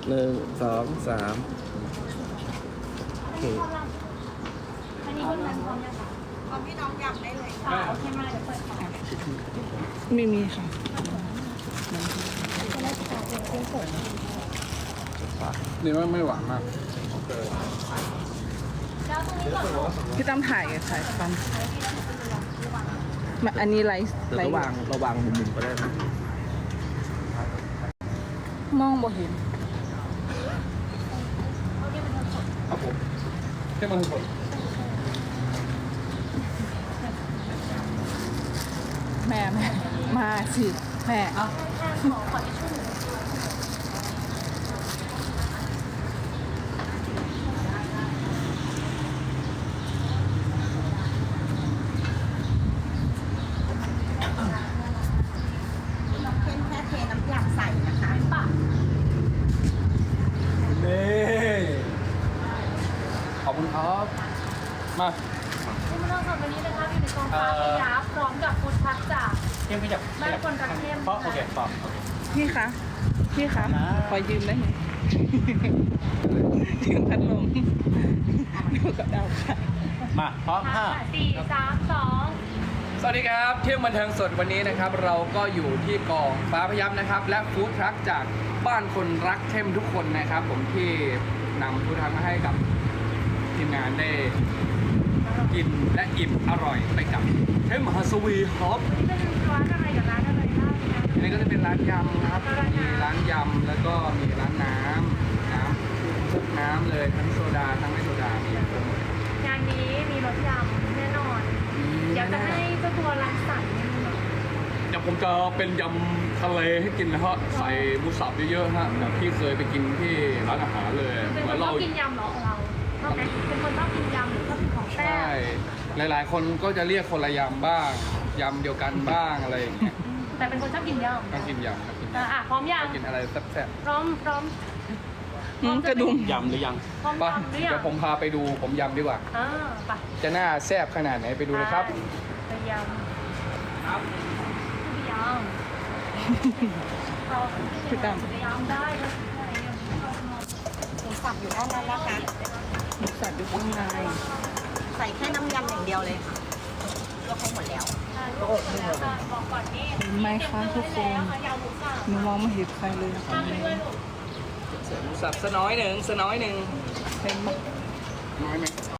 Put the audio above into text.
1 2 3โอเคอันนี้คุณนันพร้อมยังคะพร้อมพี่น้องยำได้เลยโอเคมาเดี๋ยวเปิดค่ะไม่มีค่ะนี่ว่าไม่หวานมากแล้วตรงนี้ก่อนลูกพี่ตั้มถ่ายฟันอันนี้ไลฟ์แต่ระวังมุมๆก็ได้นะมองบ่เห็นครับผมแค่มันสดแม่มาสิแม่แค่ขอทิชชู่น้องเข้มแค่เทน้ำยำใส่นะคะปะนี่ขอบคุณครับมาที่มาเล่าสดวันนี้นะคะอยู่ในกองฟ้าพยาพร้อมกับฟู้ดทักจากเข้มขยับบ้านคนรักเข้มเพราะโอเคต่อพี่คะขอยืมได้ไหมยืมพัดลมดูกับดาวค่ะมาพร้อมห้า 4 3 2 สวัสดีครับเที่ยงบันเทิงสดวันนี้นะครับ เราก็อยู่ที่กองฟ้าพยับนะครับ และฟู้ดทรัคจากบ้านคนรักเข้มทุกคนนะครับ ผมที่นำฟู้ดทรัคมาให้กับทีมงานได้กินและอิ่มอร่อยไปกับเข้มฮัสวีครับวันนี้เป็นร้านอะไรกับร้านอะไรบ้างนะอันนี้ก็จะเป็นร้านยำนะครับมีร้านยำแล้วก็มีร้านน้ำทุกน้ำเลยทั้งโซดาทั้งไม่โซดามีครบหมดงานนี้มีรสยำแน่นอน เดี๋ยวจะให้เจ้าตัวรังสรรค์เมนูเดี๋ยวผมจะเป็นยำทะเลให้กินนะฮะใส่หมูสับเยอะๆฮะแบบที่เคยไปกินที่ร้านอาหารเลยเป็นเหคมือน นชอเราบกินยำเหรอเราชอบไหมเป็นคนชอบกินยำหรือชอบกินของแซ่ใช่บหลายๆ คนก็จะเรียกคนละยำบ้างยำเดียวกันบ้างอะไรอย่างเงี้ยแต่เป็นคนชอบกินยำก็กินยำครับกินยพร้อมยังำกินอะไรแซ่บพร้อมกระดุมๆยำหรือยังพร้อมป่ะยำหรือยังเดี๋ยวผมพาไปดูผมยำดีกว่าไปจะน่าแซ่บขนาดไหนไปดูเลยครับไปยำไปยำเราพี่ตั้มไปยำได้เลยหมูสับอยู่ด้านนั้นนะคะหมูสับอยู่ข้างในใส่แค่น้ำยำอย่างเดียวเลยค่ะลวกให้หมดแล้วบอกก่อนนี่เห็นไหมคะทุกคนยำหมูสับหนูมองไม่เห็นใครเลยนะคะทำไปด้วยลูกเสริมหมูสับสน้อยหนึ่งเห็นไหมน้อยไหม